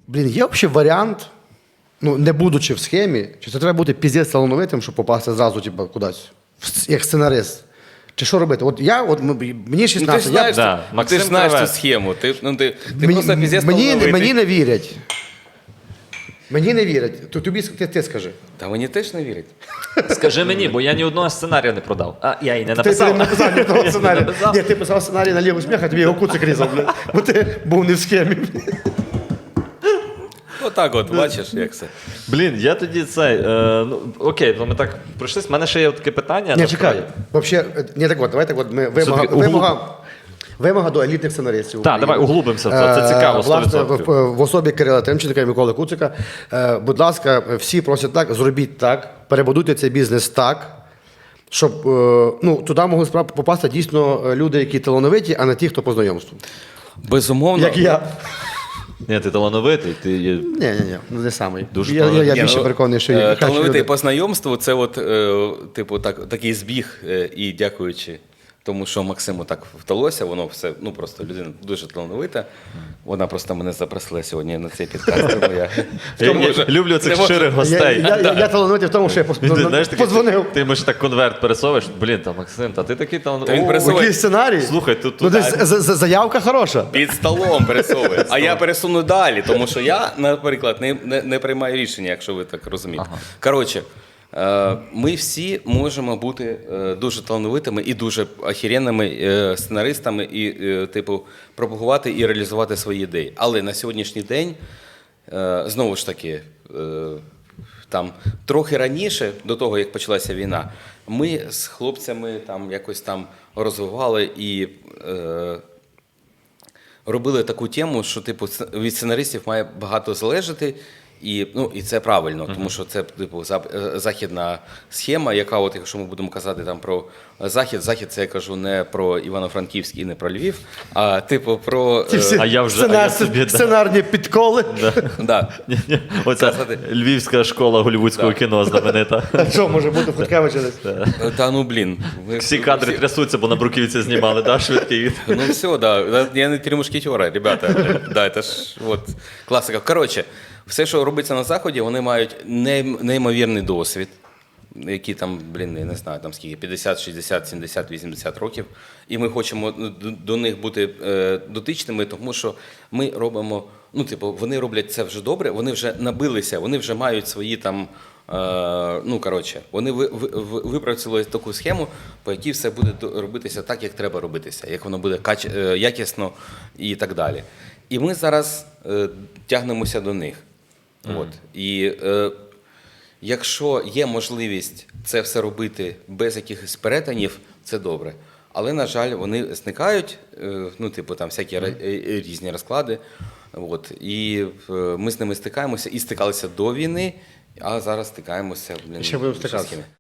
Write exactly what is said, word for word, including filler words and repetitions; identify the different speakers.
Speaker 1: Блін, є взагалі варіант, ну, не будучи в схемі, чи це треба бути піздець талановитим, щоб попасти зразу, типу, кудись, в- як сценарист? Чи що робити? От я, от м- мені
Speaker 2: Ну, ти
Speaker 1: шістнадцять,
Speaker 2: ж знаєш,
Speaker 1: я,
Speaker 3: Да,
Speaker 2: ти, ти
Speaker 3: Максим
Speaker 2: ж знаєш цю
Speaker 3: Кравець.
Speaker 2: схему. Ти, ну, ти, ти
Speaker 1: мені,
Speaker 2: просто піздець
Speaker 1: мені,
Speaker 2: талановитий.
Speaker 1: мені не вірять. Мені не вірять. То тобі ти, ти скажи.
Speaker 2: Та мені теж не вірять.
Speaker 3: Скажи мені, бо я ні одного сценарія не продав. А, я і не
Speaker 1: Ти,
Speaker 3: написав.
Speaker 1: ти не написав ні одного
Speaker 3: Я не
Speaker 1: сценарію.
Speaker 3: написав.
Speaker 1: Ні, ти писав сценарій на ліву сміх, а тобі його куцик різав, блядь. Бо ти був не в схемі.
Speaker 2: Отак от, бачиш, як це.
Speaker 3: Блін, я тоді цей. Е, ну, окей, ну ми так пройшлись. У мене ще є таке питання.
Speaker 1: Ні,
Speaker 3: насправді.
Speaker 1: чекай. Вообще, ні, так от, давай так от, ми вимога,
Speaker 3: Все-таки углуб-
Speaker 1: вимога, вимога до елітних сценаристів.
Speaker 3: Так,
Speaker 1: України.
Speaker 3: давай углубимося в це. Це цікаво,
Speaker 1: Е,
Speaker 3: сто
Speaker 1: Власне,
Speaker 3: відсотків.
Speaker 1: в, в особі Кирила Тимченка і Миколи Куцика. Е, будь ласка, всі просять так, зробіть так, перебудуйте цей бізнес так, щоб е, ну, туди могли справ- попасти дійсно люди, які талановиті, а не ті, хто по знайомству.
Speaker 2: Безумовно.
Speaker 1: Як я.
Speaker 3: Ні, ти талановитий, ти є.
Speaker 1: Ні, ні, ні, ну не самий.
Speaker 3: Дуже
Speaker 1: я, я, я
Speaker 3: талановитий.
Speaker 1: більше
Speaker 2: ну,
Speaker 1: переконаний, що
Speaker 2: е,
Speaker 1: є кращі
Speaker 2: талановитий
Speaker 1: люди.
Speaker 2: по знайомству, це от, е, типу, так, такий збіг, е, і дякуючи тому, що Максиму так вдалося, воно все, ну просто людина дуже талановита. Вона просто мене запросила сьогодні на цей підкаст, тому я
Speaker 3: Я,
Speaker 2: не можу-
Speaker 3: я люблю цих
Speaker 2: не можу-
Speaker 3: щирих
Speaker 1: Я,
Speaker 3: гостей.
Speaker 1: я, я, я талановитий в тому, що я пос-
Speaker 3: Ти, знаєш, такий,
Speaker 1: подзвонив.
Speaker 3: Ти, ти можеш так конверт пересовуєш. Блін, та Максим, та ти такий
Speaker 2: Та він
Speaker 3: талановитий.
Speaker 2: пересовує.
Speaker 1: Який сценарій?
Speaker 3: Слухай, тут,
Speaker 1: Ну,
Speaker 3: тут
Speaker 1: десь з- з- заявка хороша.
Speaker 2: Під столом пересовує. А я пересуну далі, тому що я, наприклад, не, не, не приймаю рішення, якщо ви так розумієте.
Speaker 3: Ага.
Speaker 2: Коротше, е, ми всі можемо бути е, дуже талановитими і дуже охеренними е, сценаристами, і, е, типу, пропагувати і реалізувати свої ідеї. Але на сьогоднішній день, е, знову ж таки, е, там трохи раніше, до того як почалася війна, ми з хлопцями там якось там розвивали і е, робили таку тему, що типу сц- від сценаристів має багато залежати. І, ну, і це правильно, тому що це типу зап- е, західна схема, яка, от, якщо ми будемо казати там про захід, захід це я кажу не про Івано-Франківськ і не про Львів, а типу про
Speaker 1: Ці всі
Speaker 3: А я вже- а
Speaker 1: сценар-
Speaker 3: я собі, да.
Speaker 1: сценарні підколи.
Speaker 2: да.
Speaker 3: Ні-ні, Оця
Speaker 2: Казати.
Speaker 3: львівська школа голівудського
Speaker 2: Да.
Speaker 3: кіно знаменита.
Speaker 1: А що може бути в Хуткевича десь?
Speaker 2: Е, Та ну блін. Ви-
Speaker 3: Всі кадри
Speaker 2: всі-
Speaker 3: трясуться, бо на бруківці знімали, да, швидкий.
Speaker 2: Ну все, да. Я не три мушкетера, ребята. Да, это ж вот класика. Коротше, все, що робиться на Заході, вони мають нейм- неймовірний досвід, які там, блін, я не знаю, там скільки, п'ятдесят, шістдесят, сімдесят, вісімдесят років. І ми хочемо до, до них бути е, дотичними, тому що ми робимо, ну, типу, вони роблять це вже добре, вони вже набилися, вони вже мають свої там. Е, ну, коротше, вони ви, ви, ви- випрацювали таку схему, по якій все буде до- робитися так, як треба робитися, як воно буде кач, е, якісно і так далі. І ми зараз е, тягнемося до них. От. І е, якщо є можливість це все робити без якихось перетинів, це добре. Але, на жаль, вони зникають, е, ну, типу, там всякі ра- е, е, різні розклади. От. І е, ми з ними стикаємося і стикалися до війни, а зараз стикаємося, блін,
Speaker 1: Ще будемо
Speaker 2: з
Speaker 1: стикатися.
Speaker 2: схеми.